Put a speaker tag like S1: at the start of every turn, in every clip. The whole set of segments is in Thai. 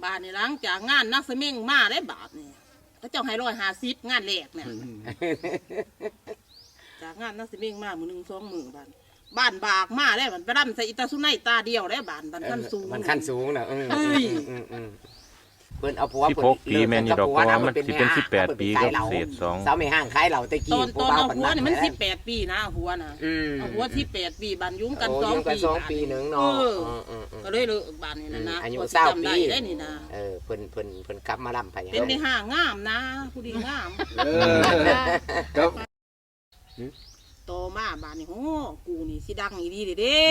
S1: บาทนี่หลังจากงานนักเสมิงมาได้บาทนี่เขาเจ้าให้150งานแรกเนี่ยจากงานนักเสมิงมามื้อ1 2 มื้อบ้านบากมาได้บัดไปรำใส่อิตาสุไนตาเดียวได้บ้านขั้นสูง
S2: มันขั้นสูงนะเพิ่นเอาผัว
S3: 16 ปีแม่นอยู่ดอกเพราะว่ามันสิเป็น18 ปีกับเศษ2
S2: สาวไม่ห่างขายเหล่าตะกี้
S1: ตอนเอาหัวนี่มัน18 ปีนะหัวน่ะเอาหัว18 ปีบ้านยุ่งกัน2 ปี
S2: นึงเนาะ
S1: ก็เลยเลิกบ้านนี่นะ
S2: อายุ20 ปี
S1: ได้นี่นะ
S2: เพิ่นกลับมาลำไผ
S1: เป็นในห้างงามนะผู้ดีงาม
S4: ครับ
S1: โตมาบ้านนี่โอ้กูนี่สิดังอีดีเด้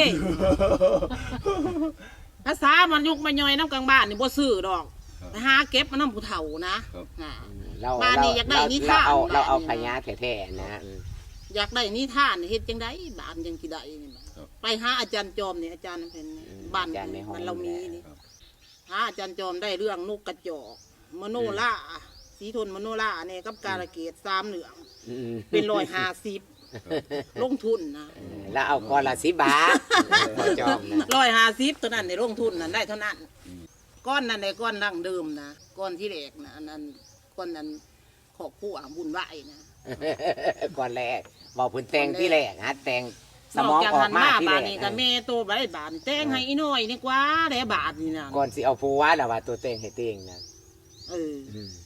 S1: ภาษามันยุกมันย่อยน้ำกลางบ้านนี่บ่ซื้อดอกไปหาเก็บมาน้ำผู้เฒ่านะบ้านนี่อยากได้นิทาน
S2: เราเอาพญาแท้ๆนะ
S1: อยากได้นิทานเฮ็ดจังไดบ้านยังสิได้นี่ไปหาอาจารย์จอมนี่อาจารย์เพิ่นบ้านมันเรามีนี่หาอาจารย์จอมได้เรื่องนกกระจอกมโนราสีทนมโนราเนี่ยกับกาลเกต3เหลืองเป็น150ลงทุนนะ
S2: แล้วเอาก้อนละ10 บาทจอม
S1: 150ตัวนั้นในลงทุนนั้นได้เท่านั้นก้อนนั้นในก้อนดั้งเดิมนะก้อนที่แรกนะอันนั้นก้อนนั้นขอบผู้บุญไหวนะ
S2: ก้อนแรกบอกพื้นแต่งที่แรกฮะแต่งสมองออกมาที่แรก
S1: นี่ก็แม่โตไปบาทแต่งให้อีน้อยนี่กว่าได้บาทนี่นะ
S2: ก่อนสิเอาผัวแล้วว่าตัวแต่งให้เต็งนะ